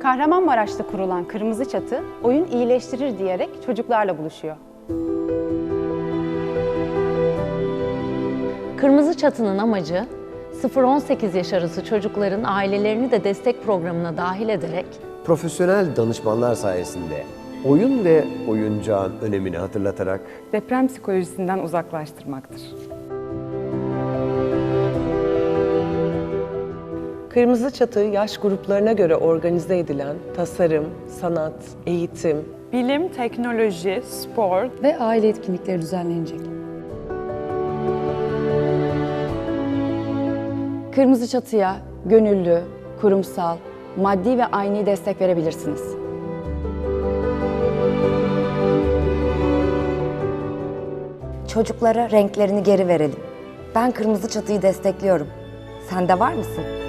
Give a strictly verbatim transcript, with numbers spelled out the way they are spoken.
Kahramanmaraş'ta kurulan Kırmızı Çatı, oyun iyileştirir diyerek çocuklarla buluşuyor. Kırmızı Çatı'nın amacı, sıfır on sekiz yaş arası çocukların ailelerini de destek programına dahil ederek Profesyonel danışmanlar sayesinde oyun ve oyuncağın önemini hatırlatarak deprem psikolojisinden uzaklaştırmaktır. Kırmızı Çatı yaş gruplarına göre organize edilen tasarım, sanat, eğitim, Bilim, teknoloji, spor ve aile etkinlikleri düzenlenecek. Kırmızı Çatı'ya gönüllü, kurumsal, maddi ve ayni destek verebilirsiniz. Çocuklara renklerini geri verelim. Ben Kırmızı Çatı'yı destekliyorum. Sen de var mısın?